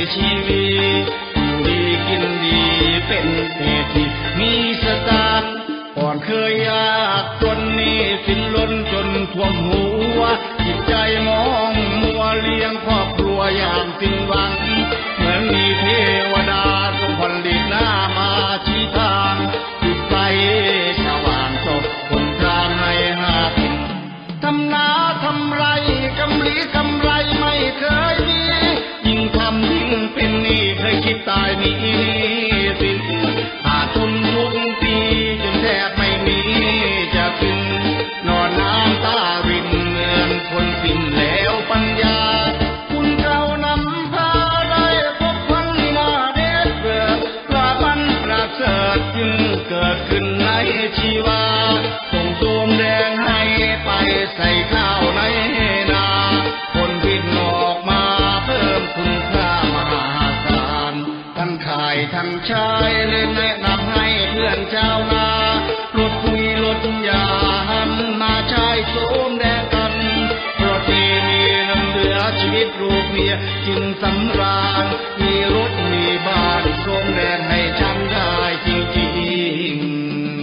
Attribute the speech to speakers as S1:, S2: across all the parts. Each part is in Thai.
S1: ชีวิตอยู่ดีกินดีเป็นเศรษฐีมีสตางค์ก่อนเคยยากจนนี้สิ้นล้นจนท่วมหัวจิตใจมองมัวเลี้ยงครอบครัวอย่างสิ้นหวังเหมือนมีเทวดาทรงผลิตหน้ามาชี้ทางจุดไฟสว่างสดคนทางให้หากินทำนาทำไรกำลีกำไรไม่เคยมียิ่งทำยิ่งเป็นหนี้เคยคิดตายหนีสิ้นขาดทุนทุกปีจนแทบไม่มีจะกินนอนน้ำตารินเหมือนคนสิ้นแล้วปัญญาคุณเก่านำพาได้พบพันหน้าเด็ดเกิดปลาบันประเสริฐจึงเกิดขึ้นในชีวาส่งโสมแดงให้ไปใส่ข้าวในนาคนบินออกมาเพิ่มคุณค่ามหาศาลท่านขายท่านชายเลยแนะนำให้เพื่อนชาวนาลดปุ๋ยลดยาหันมาใช้โสมแดงกันเพราะที่มีน้ำเหลือชีวิตลูกเมียจึงสำราญมีรถมีบ้านโสมแดงให้ฉันได้จริงๆ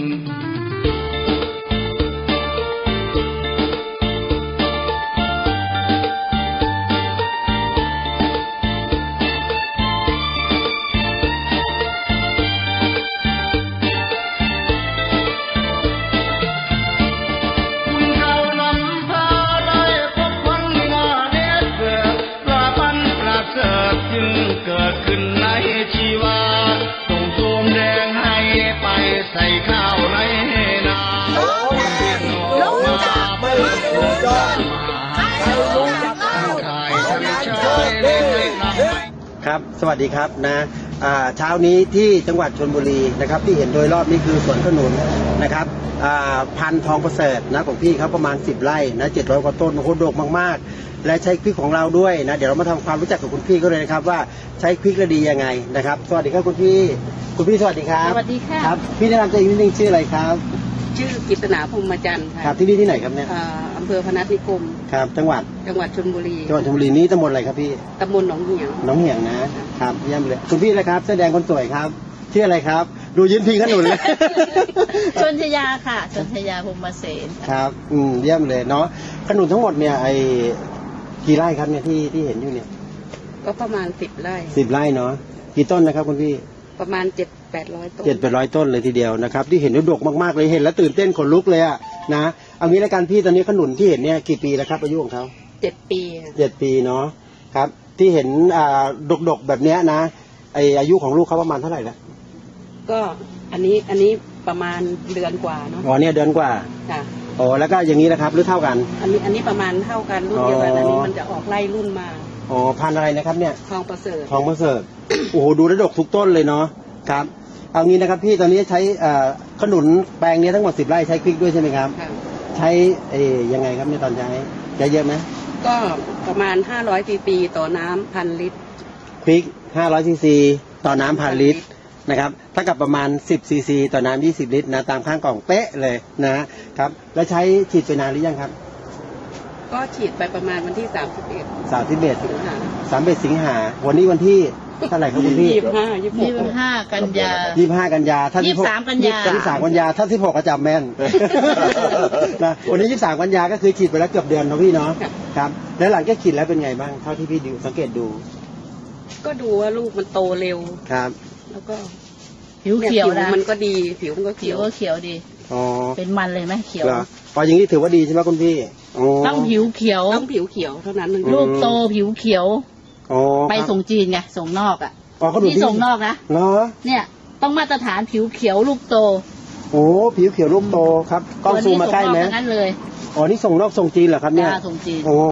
S1: จึงเกิดขึ้นในชีวาส่งโสมแดงให้ไปใส่ข้าวในนาเป็นออกมาไม่ถูกต้องขายทั้งชายเล่นให้นำ
S2: ครับสวัสดีครับนะเช้านี้ที่จังหวัดชลบุรีนะครับที่เห็นโดยรอบนี้คือสวนขนุนนะครับพันธุ์ทองประเสริฐนะของพี่เขาประมาณ10 ไร่นะ700 กว่าต้นโอ้โหดกมากๆและใช้พริกของเราด้วยนะเดี๋ยวเรามาทำความรู้จักกับคุณพี่ก็เลยนะครับว่าใช้พริกระดียังไงนะครับสวัสดีครับคุณพี่สวัสดีครับ
S3: สวัสดีค่ะ
S2: ครับพี่แนะนำตัวเองนิดนึงชื่ออะไรครับ
S3: ชื่อกิตนาพรหมจันทร์ค่ะ
S2: ครับที่นี่ที่ไหนครับเนี่ย
S3: อำเภอพนัสนิคม
S2: ครับจังหวัด
S3: ชลบุรี
S2: นี้ตำบลอะไรครับพี่
S3: ตำบลหนองเหี่ยง
S2: นะครับเยี่ยมเลยคุณพี่เลยครับแสดงคนสวยครับชื่ออะไรครับดูยืนพิงขนุนเลย
S3: ชนชยาค่ะชนชยาพรหมเสน
S2: ครับเยี่ยมเลยเนาะขนุนทั้งหมดเนี่ยกี่ไร่ครับเนี่ยที่เห็นอยู่เนี่ย
S3: ก็ประมาณ10 ไร่
S2: 10 ไร่เนาะกี่ต้นนะครับคุณพี่
S3: ประมาณ700-800 ต้น
S2: 700 ต้นเลยทีเดียวนะครับที่เห็นดกมากๆเลยเห็นแล้วตื่นเต้นขนลุกเลยอะนะเอางี้ละกันพี่ตอนนี้ขนุนที่เห็นเนี่ยกี่ปีแล้วครับอายุของเขา
S3: 7 ปี
S2: 7 ปีเนาะครับที่เห็นดกแบบเนี้ยนะอายุของลูกเขาประมาณเท่าไหร่แล้ว
S3: ก็อันนี้ประมาณเดือนกว่าเนาะ
S2: อ๋อเนี่ยเดือนกว่า
S3: ค่ะ
S2: อ๋อแล้วก็อย่างนี้นะครับหรือเท่ากัน
S3: อันนี้ประมาณเท่ากันรุ่นเดียวกันอันนี้มันจะออกไล่รุ่นมา
S2: อ๋อพันอะไรนะครับเนี่ย
S3: ทองประเสริฐ
S2: โอ้โหดูแล้วดกทุกต้นเลยเนาะครับเอางี้นะครับพี่ตอนนี้ใช้ขนุนแปลงนี้ทั้งหมด10 ไร่ใช้พริกด้วยใช่ไหมครับใช้ยังไงครับในตอนใช้เยอะไหม
S3: ก็ประมาณ500 cc ต่อน้ำ1,000 ลิตร
S2: พริก500 cc ต่อน้ำ1,000 ลิตรนะครับเท่ากับประมาณ10 cc ต่อน้ำ20 ลิตรนะตามข้างกล่องเป๊ะเลยนะครับแล้วใช้ฉีดไปนานหรือยังครับ
S3: ก็ฉีดไปประมาณวันที่
S2: 31 สิงหาวันนี้วันที่เท่าไหร่ครับคุณพี่
S3: 25 กันยา
S2: ถ้า
S3: 23 กันยา
S2: ถ้า16ก็จำแม่นนะวันนี้23 กันยาก็คือฉีดไปแล้วเกือบเดือนนะพี่เนาะครับแล้วหลังจากฉีดแล้วเป็นไงบ้างเท่าที่พี่ดูสังเกตดู
S3: ก็ดูว่าลูกมันโตเร็ว
S2: ครับ
S3: แล้วก็ผิวเขียวนะมันก็ดีผิวมันก็เขียวดี
S2: อ๋อ
S3: เป็นมันเลยไหมเขียว
S2: พออย่างนี้ถือว่าดีใช่ไหมคุณพี่
S3: ต้องผิวเขียวเท่านั้นลูกโตผิวเขียวไปส่งจีนไงส่งนอกอ่ะที่ส่งนอกนะเนี่ยต้องมาตรฐานผิวเขียวลูกโต
S2: โอ้ผิวเขียวลูกโตครับกล้องซูมมาใกล้ไหม
S3: งั้นเลย
S2: อ๋อนี่ส่งนอกส่งจีนเหรอครับเนี่ย
S3: ส่งจีน